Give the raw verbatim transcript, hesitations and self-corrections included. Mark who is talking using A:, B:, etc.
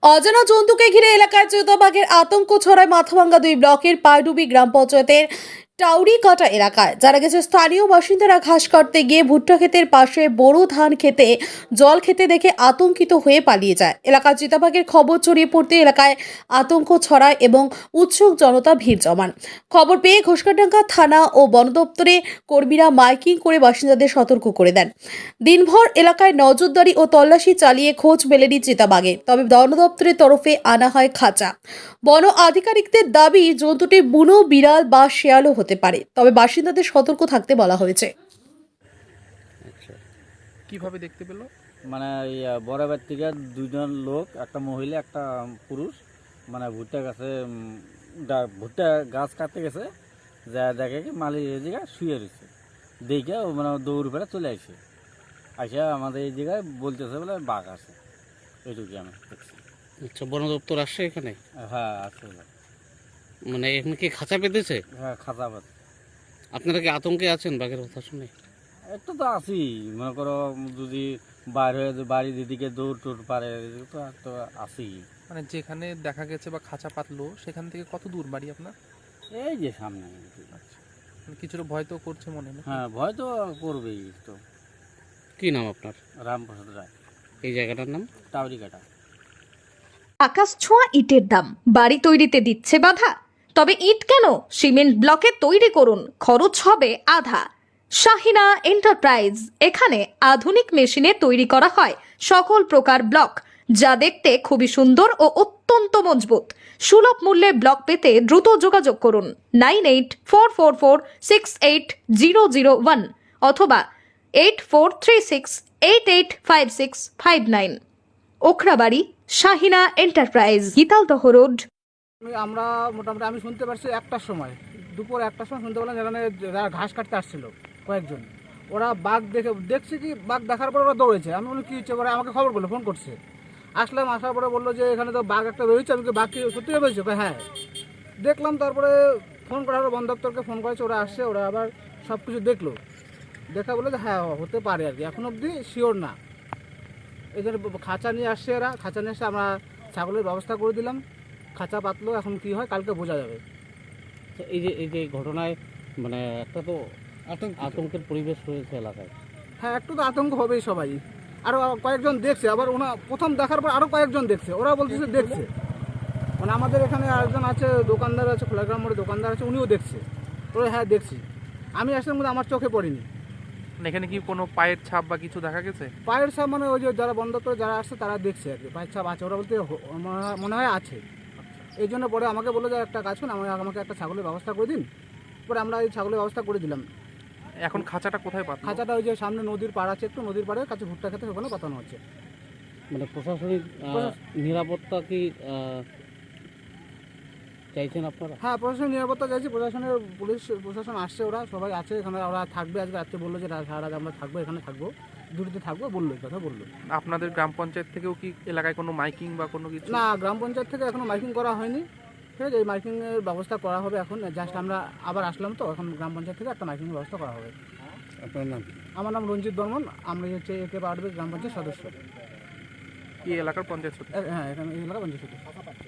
A: অজানা জন্তুকে ঘিরে এলাকায় চিতাবাঘের আতঙ্ক ছড়ায় মাথাভাঙ্গা দুই ব্লকের পায়ডুবি গ্রাম পঞ্চায়েতের টাউরিকাটা এলাকায়। জানা গেছে, স্থানীয় বাসিন্দারা ঘাস কাটতে গিয়ে ভুট্টা ক্ষেতের পাশে বোরো ধান খেতে জল খেতে দেখে আতঙ্কিত হয়ে পালিয়ে যায়। এলাকায় চিতাবাঘের খবর ছড়িয়ে পড়তে এলাকায় আতঙ্ক ছড়ায় এবং উৎসুক জনতা ভিড় জমান। খবর পেয়ে ঘোষকাডাঙ্গা থানা ও বন দপ্তরে কর্মীরা মাইকিং করে বাসিন্দাদের সতর্ক করে দেন। দিনভর এলাকায় নজরদারি ও তল্লাশি চালিয়ে খোঁজ মেলেনি চিতাবাঘে, তবে বন দপ্তরের তরফে আনা হয় খাঁচা। বন আধিকারিকদের দাবি, জন্তুটি বুনো বিড়াল বা শেয়ালও হতে পারে, তবে বাসিন্দাদের সতর্ক থাকতে বলা হয়েছে।
B: আচ্ছা,
C: কিভাবে দেখতে পেলো?
B: মানে এই বরাবর থেকে দুজন লোক, একটা মহিলা একটা পুরুষ, মানে ভুট্টা গাছে উম, ডা- ভুট্টা গাছ কাটতে গেছে, যা দেখে কি মালিক এই জায়গায় শুয়ে রয়েছে, দেখে ও মানে দৌড় ফেলে চলে আসে। আসে আমাদের এই জায়গায় বলতেছে বলে বাঘ আছে, এইটুকু আমি দেখছি।
D: আচ্ছা, বন দপ্তর আসছে এখানে?
B: হ্যাঁ আছে,
D: মানে এখানে কি খাঁচা পেতেছে?
B: হ্যাঁ খাঁচা পাত।
D: আপনারা কি আতঙ্কে আছেন বাঘের কথা শুনে?
B: একটু তো আছি, মনে করো যদি বাইর হয়ে যে বাড়ির দিদিকে দৌড় টোড় পারে, তো একটু আছি।
C: মানে যেখানে দেখা গেছে বা খাঁচা পাতলো সেখান থেকে কত দূর বাড়ি আপনার?
B: এই যে সামনে।
C: মানে কিছুটা ভয় তো করছে মনে হয়।
B: হ্যাঁ ভয় তো করবেই তো।
D: কি নাম আপনার?
B: রামপ্রসাদ রায়,
D: এই জায়গাটার নাম?
B: টাউরিকাটা।
E: আকাশ ছোঁয়া ইটের দাম বাড়ি তৈরিতে দিচ্ছে বাধা? তবে ইট কেন, সিমেন্ট ব্লকে তৈরি করুন, খরচ হবে আধা। শাহিনা এন্টারপ্রাইজ, এখানে আধুনিক মেশিনে তৈরি করা হয় সকল প্রকার ব্লক, যা দেখতে খুবই সুন্দর ও অত্যন্ত মজবুত। সুলভ মূল্যে ব্লক পেতে দ্রুত যোগাযোগ করুন nine eight four four four six eight zero zero one অথবা eight four three six eight eight five six five nine. Okhrabari, Shahina enterprise, Gitaldaha road.
F: আমি- আমরা মোটামুটি আমি শুনতে পারছি একটার সময়, দুপুর একটার সময় শুনতে পেলাম যেখানে যারা ঘাস কাটতে আসছিল কয়েকজন, ওরা বাঘ দেখে দেখছি কি বাঘ দেখার পরে ওরা দৌড়েছে। আমি বলি কী হচ্ছে, ওরা আমাকে খবর করলো, ফোন করছে। আসলাম, আসার পরে বললো যে এখানে তো বাঘ একটা বেরোচ্ছে। আমি কি বাঘ কি সত্যি বেরোচ্ছে? হ্যাঁ দেখলাম। তারপরে ফোন করা হলো, বন দপ্তরকে ফোন করেছে, ওরা আসছে, ওরা আবার সব কিছু দেখলো, দেখা বলে যে হ্যাঁ হতে পারে আর কি, এখন অবধি শিওর না। এই জন্য খাঁচা নিয়ে আসছে এরা, খাঁচা নিয়ে এসে আমরা ছাগলের ব্যবস্থা করে দিলাম। খাঁচা পাতলো, এখন কি হয় কালকে বোঝা যাবে।
D: তো এই যে এই যে ঘটনায় মানে একটা তো আতঙ্কের পরিবেশ রয়েছে এলাকায়।
F: হ্যাঁ একটু তো আতঙ্ক হবেই সবাই। আরও কয়েকজন দেখছে, আবার ওনা প্রথম দেখার পর আরও কয়েকজন দেখছে, ওরা বলতেছে দেখছে। মানে আমাদের এখানে আরেকজন আছে, দোকানদার আছে, খোলাগ্রাম মোড়ে দোকানদার আছে, উনিও দেখছে। ওরা হ্যাঁ দেখছি। আমি আসলে মধ্যে আমার চোখে পড়িনি।
C: মানে এখানে কি কোনো পায়ের ছাপ বা কিছু দেখা গেছে?
F: পায়ের ছাপ মানে ওই যে যারা বন্ধ করে যারা আসছে তারা দেখছে আর কি, পায়ের ছাপ আছে। ওরা বলতে হ- মনে হয়- মনে হয় আছে। এই জন্য পরে আমাকে বললো যে একটা কাজ করুন, আমাকে আমাকে একটা ছাগলের ব্যবস্থা করে দিন। পরে আমরা এই ছাগলের ব্যবস্থা করে দিলাম।
C: এখন খাঁচাটা কোথায় পাতলো?
F: খাঁচাটা ওই যে সামনে নদীর পাড় আছে, একটু নদীর পাড়ের কাছে ভুট্টা খেতে ওখানে পাতানো হচ্ছে।
D: মানে প্রশাসনিক আহ,
F: প্রশাস-
D: নিরাপত্তা কি আহ, চাইছেন আপনারা?
F: হ্যাঁ প্রশাসনের নিরাপত্তা চাইছি, প্রশাসনের পুলিশ প্রশাসন আসছে, ওরা সবাই আছে এখানে। ওরা থাকবে আজকে রাত্রে, বললো যে রা- সারা রাত আমরা থাকবো এখানে, থাকবো ডিউটিতে থাকবো, বললো এই কথা বললো।
C: আপনাদের গ্রাম পঞ্চায়েত থেকেও কি এলাকায় কোনো মাইকিং বা কোনো কিছু?
F: না, গ্রাম পঞ্চায়েত থেকে এখনো মাইকিং করা হয়নি। ঠিক আছে, এই মাইকিংয়ের ব্যবস্থা করা হবে এখন। জাস্ট আমরা আবার আসলাম তো, এখন গ্রাম পঞ্চায়েত থেকে একটা মাইকিংয়ের ব্যবস্থা করা হবে।
D: আপনার নাম?
F: আমার নাম রঞ্জিত বর্মন, আমরা হচ্ছে একে পাড়বে গ্রাম পঞ্চায়েত সদস্য।
C: কি এলাকার পঞ্চায়েত সদস্য?
F: এ- হ্যাঁ এখানে এই এলাকা পঞ্চায়েত সদস্য।